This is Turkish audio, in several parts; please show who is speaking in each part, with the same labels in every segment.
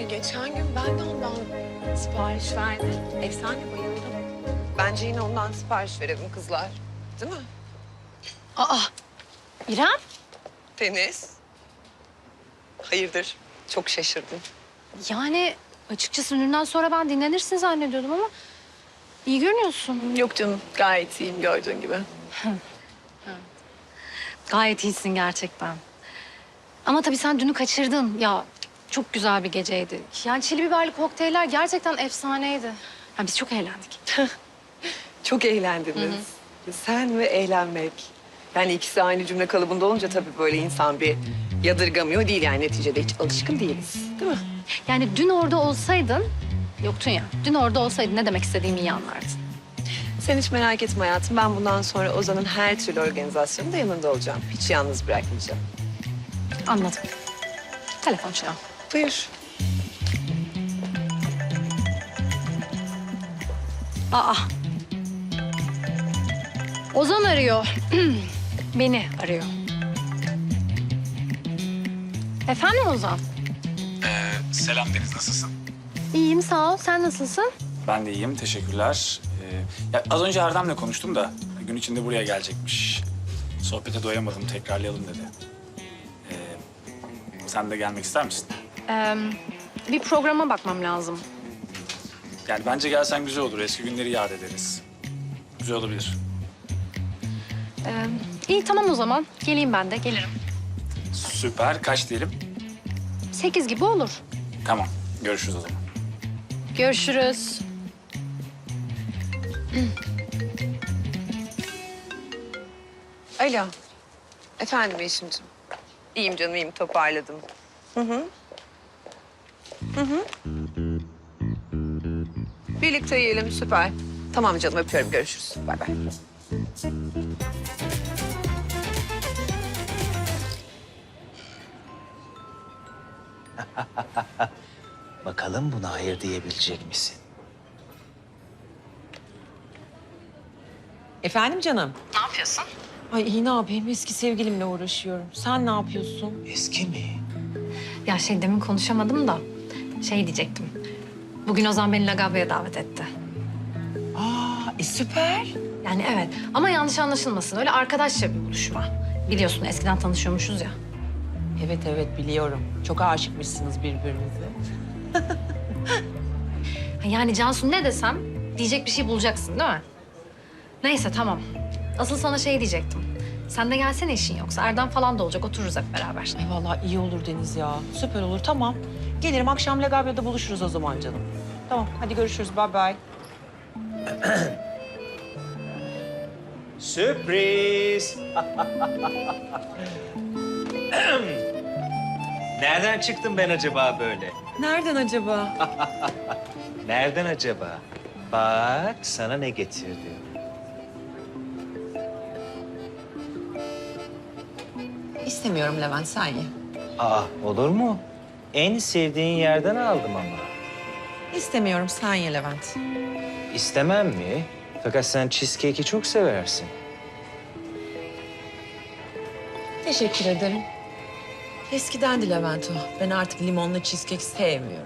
Speaker 1: geçen gün ben de ondan sipariş verdim. Efsane, bayıldım. Bence yine ondan sipariş verelim kızlar. Değil mi?
Speaker 2: Aa, İrem?
Speaker 1: Deniz. Hayırdır? Çok şaşırdım.
Speaker 2: Yani açıkçası dünden sonra ben dinlenirsin zannediyordum ama iyi görünüyorsun.
Speaker 1: Yok canım, gayet iyiyim gördüğün gibi.
Speaker 2: Gayet iyisin gerçekten. Ama tabii sen dünü kaçırdın. Ya çok güzel bir geceydi. Yani çili biberli kokteyller gerçekten efsaneydi. Yani biz çok eğlendik.
Speaker 1: Çok eğlendiniz. Sen ve eğlenmek. Yani ikisi aynı cümle kalıbında olunca tabii böyle insan bir yadırgamıyor değil yani neticede hiç alışkın değiliz. Değil mi?
Speaker 2: Yani dün orada olsaydın, yoktun ya. Dün orada olsaydın ne demek istediğimi iyi anlardın.
Speaker 1: Sen hiç merak etme hayatım. Ben bundan sonra Ozan'ın her türlü organizasyonunda yanında olacağım. Hiç yalnız bırakmayacağım.
Speaker 2: Anladım. Telefon çalıyor.
Speaker 1: Buyur.
Speaker 2: Aa. Ozan arıyor. Beni arıyor. Efendim Ozan?
Speaker 3: Selam Deniz, nasılsın?
Speaker 2: İyiyim sağ ol. Sen nasılsın?
Speaker 3: Ben de iyiyim, teşekkürler. Ya az önce Erdem'le konuştum da gün içinde buraya gelecekmiş. Sohbete doyamadım, tekrarlayalım dedi. Sen de gelmek ister misin?
Speaker 2: Bir programa bakmam lazım.
Speaker 3: Yani bence gelsen güzel olur, eski günleri yad ederiz. Güzel olabilir.
Speaker 2: İyi tamam o zaman. Geleyim ben de. Gelirim.
Speaker 3: Süper, kaç diyelim?
Speaker 2: 8 gibi olur.
Speaker 3: Tamam, görüşürüz o zaman.
Speaker 2: Görüşürüz.
Speaker 1: Alo. Efendim Yeşim'ciğim. İyiyim canım, iyiyim. Toparladım. Birlikte yiyelim, süper. Tamam canım, öpüyorum. Görüşürüz. Bay bay.
Speaker 4: Bakalım buna hayır diyebilecek misin?
Speaker 5: Efendim canım?
Speaker 2: Ne yapıyorsun?
Speaker 5: Ay iyi ne yapayım? Eski sevgilimle uğraşıyorum. Sen ne yapıyorsun?
Speaker 4: Eski mi?
Speaker 2: Ya demin konuşamadım da diyecektim. Bugün Ozan beni Lagabya'ya davet etti.
Speaker 5: Süper.
Speaker 2: Yani evet ama yanlış anlaşılmasın. Öyle arkadaşça bir buluşma. Biliyorsun eskiden tanışıyormuşuz ya.
Speaker 5: Evet biliyorum. Çok aşıkmışsınız birbirinize.
Speaker 2: Yani Cansu ne desem diyecek bir şey bulacaksın değil mi? Neyse tamam. Asıl sana diyecektim. Sen de gelsene işin yoksa. Erdem falan da olacak. Otururuz hep beraber.
Speaker 5: Ay vallahi iyi olur Deniz ya. Süper olur tamam. Gelirim akşam Legabya'da buluşuruz o zaman canım. Tamam hadi görüşürüz bye bye.
Speaker 4: Sürpriz! Nereden çıktım ben acaba böyle?
Speaker 5: Nereden acaba?
Speaker 4: Nereden acaba? Bak sana ne getirdim.
Speaker 5: İstemiyorum Levent sen ye.
Speaker 4: Olur mu? En sevdiğin yerden aldım ama.
Speaker 5: İstemiyorum sen ye Levent.
Speaker 4: İstemem mi? Fakat sen cheesecake'i çok seversin.
Speaker 5: Teşekkür ederim. Eskiden Levent o. Ben artık limonlu cheesecake sevmiyorum.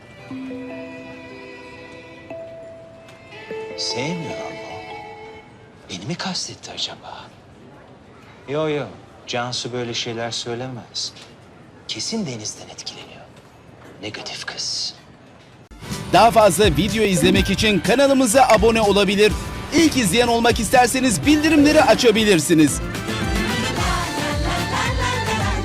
Speaker 4: Sevmiyor mu? Beni mi kastetti acaba? Yo. Cansu böyle şeyler söylemez. Kesin Deniz'den etkileniyor. Negatif kız.
Speaker 6: Daha fazla video izlemek için kanalımıza abone olabilir. İlk izleyen olmak isterseniz bildirimleri açabilirsiniz.